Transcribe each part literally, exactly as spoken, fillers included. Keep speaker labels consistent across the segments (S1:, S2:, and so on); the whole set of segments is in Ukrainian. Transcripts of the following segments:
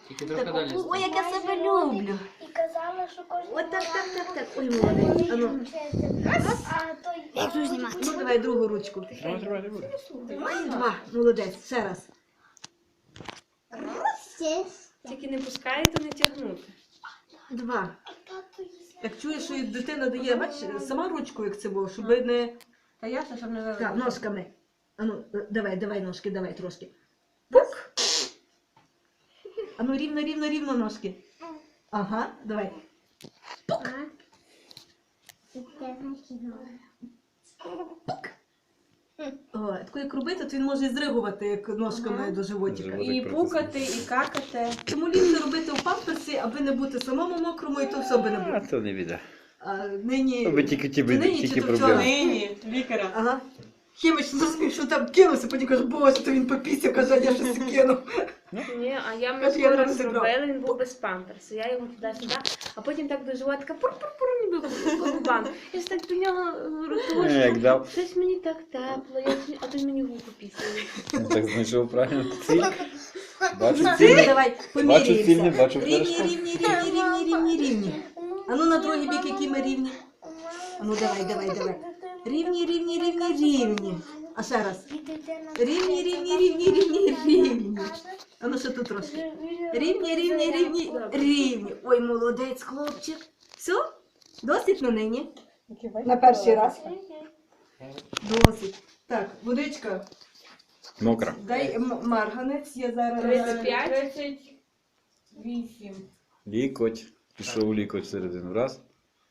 S1: Тільки трохи далі.
S2: Ой, як я себе люблю.
S3: І казала, що кожен
S2: От так, так, так, так. Ой, молодець. А ну,
S3: А той...
S2: як тут знімати? Ну, давай другу ручку.
S1: Тримай, тримай, тримай.
S2: Ой, два. Молодець. Ще раз.
S4: Тільки не пускайте, не тягнути.
S2: Два.
S3: Тато їсть.
S2: Як чуєш, що дитина дає, бач, сама ручку, як це було, щоб не...
S4: Та ясно, щоб не
S2: Так,
S4: вилити.
S2: ножками. А ну, давай, давай ножки, давай трошки. Пук. А ну, рівно, рівно, рівно ножки. Ага, давай. Пук. О, таку як робити, то він може і зригувати як ножками
S4: Ага.
S2: до животика.
S1: Живот.
S4: І пукати, і какати.
S2: Тому ліпше робити у памперсі, аби не бути самому мокрому, і то все би не
S1: А,
S2: було.
S1: то не біда.
S2: А нині...
S1: Аби тільки ті
S2: Нині
S1: біди,
S2: чи
S1: тільки
S2: то
S1: проблеми.
S2: вчора?
S4: Нині, лікаря.
S2: Ага. Хіміч, ну, що там кинувся, потім каже, боже, то він попісся, каже, а я щось кинув.
S4: Ні, а я
S2: От
S4: ми
S2: я не
S4: скоро
S2: розібрала.
S4: зробили, він був без памперсу. Я його туди-сюди, а потім так до животика пур-пур-пур, ніби по губам. Я ж так до нього
S1: Е, Як
S4: ротушку.
S1: дав.
S4: Щось мені так тепло, я, а то мені губу пісяє.
S1: Ну, так знайшов правильно ціль. Бачу
S2: Ціль,
S1: ціль.
S2: давай,
S1: Бачу ціль, не
S2: поміряємося.
S1: бачу
S2: Рівні,
S1: першого.
S2: рівні, рівні, рівні, рівні, рівні. А ну на другий бік, які ми рівні. А ну давай, давай, давай. Рівні, рівні, рівні, рівні. А ще раз. Рівні, рівні, рівні, рівні, рівні. А ну ще тут трошки. Рівні, рівні, рівні, рівні. Ой, молодець, хлопчик. Все? Досить на нині? На перший раз? Досить. Так, водичка.
S1: Мокра.
S2: Дай м- марганець, я зараз...
S4: тридцять п'ять.
S5: тридцять вісім.
S1: Лікоть. Пішов лікоть всередину. Раз.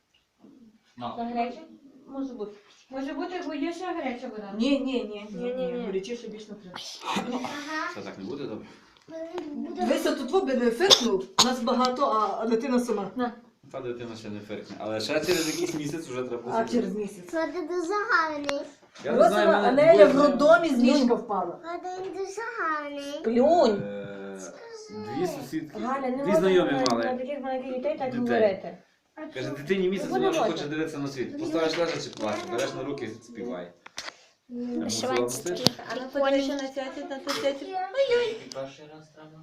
S5: За гречу? Може бути. Може бути, бо є ще гаряча вода.
S2: Ні, ні, ні, ні, ні,
S4: Ні-ні-ні.
S2: горячіше більш не треба.
S1: Це так не буде добре?
S2: Вися тут воби не фиркнув, нас багато, а, а дитина сама.
S1: Та дитина ще не феркне. Але ще через якийсь місяць вже треба.
S2: А через місяць.
S3: Це дуже гарний.
S1: Я не знаю,
S2: Росова
S1: в мене
S2: Анеля в
S1: двоє-
S2: роддомі з ліжка впала.
S3: Він дуже гарний.
S4: Плюнь.
S1: Е, Дві сусідки.
S4: Галя, не
S1: Дві
S4: можна
S1: знайомі
S4: на, на
S1: мали.
S4: таких маленьких дітей так
S1: Дітей.
S4: говорити.
S1: Каже, дитині місяць,
S4: Ну,
S1: вона вже
S4: можна.
S1: хоче дивитися на світ. Поставиш лежачи, плаче, береш на руки, співай. Я мусила пустити.
S4: А ну подивися на цяцю, на цю цяцю.
S1: Перший раз треба.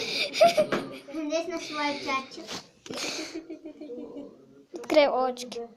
S3: Десь на свою чачу. Відкрив очки.